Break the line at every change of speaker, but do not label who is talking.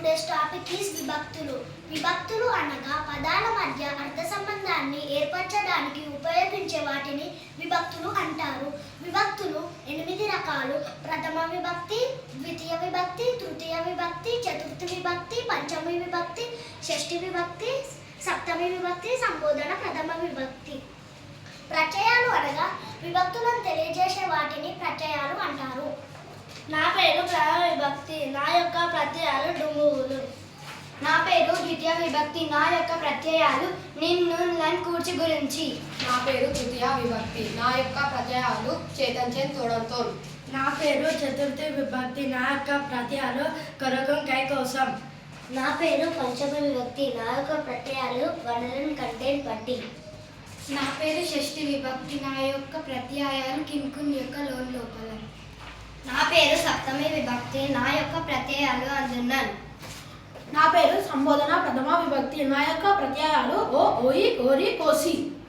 Today's topic is విభక్తులు. విభక్తులు అనగా పదాల మధ్య అర్థ సంబంధాన్ని ఏర్పరచడానికి ఉపయోగించే వాటిని విభక్తులు అంటారు. విభక్తులు 8 రకాలు. ప్రథమ విభక్తి, ద్వితీయ విభక్తి, తృతీయ విభక్తి, చతుర్థి విభక్తి, పంచమి విభక్తి, షష్ఠి విభక్తి, సప్తమి విభక్తి, సంబోధన ప్రథమ విభక్తి. ప్రత్యయాలు అనగా విభక్తులను తెలియజేసే వాటిని ప్రత్యయాలు అంటారు.
నా పేరు ప్రథమ విభక్తి, నా యొక్క ప్రత్యయాలు డుంగువులు.
నా పేరు ద్వితీయ విభక్తి, నా యొక్క ప్రత్యయాలు నిన్ను నన్ను కూర్చి గురించి.
నా పేరు తృతీయ విభక్తి, నా యొక్క ప్రత్యయాలు చేతన్ చెన్ తోడంతోన్.
నా పేరు చతుర్థి విభక్తి, నా యొక్క ప్రత్యయాలు కొరకం కై కోసం.
నా పేరు పంచమ విభక్తి, నా యొక్క ప్రత్యయాలు వనరుని కంటెంట్ బట్టి.
నా పేరు షష్ఠి విభక్తి, నా యొక్క ప్రత్యయాలు కింకున్ యొక్క లోన్ లోపల.
నా పేరు సప్తమి విభక్తి, నా యొక్క ప్రత్యయాలు అందున్నాను.
నా పేరు సంబోధన ప్రథమ విభక్తి, నా యొక్క ప్రత్యయాలు ఓ ఓయి ఓరి కోసి.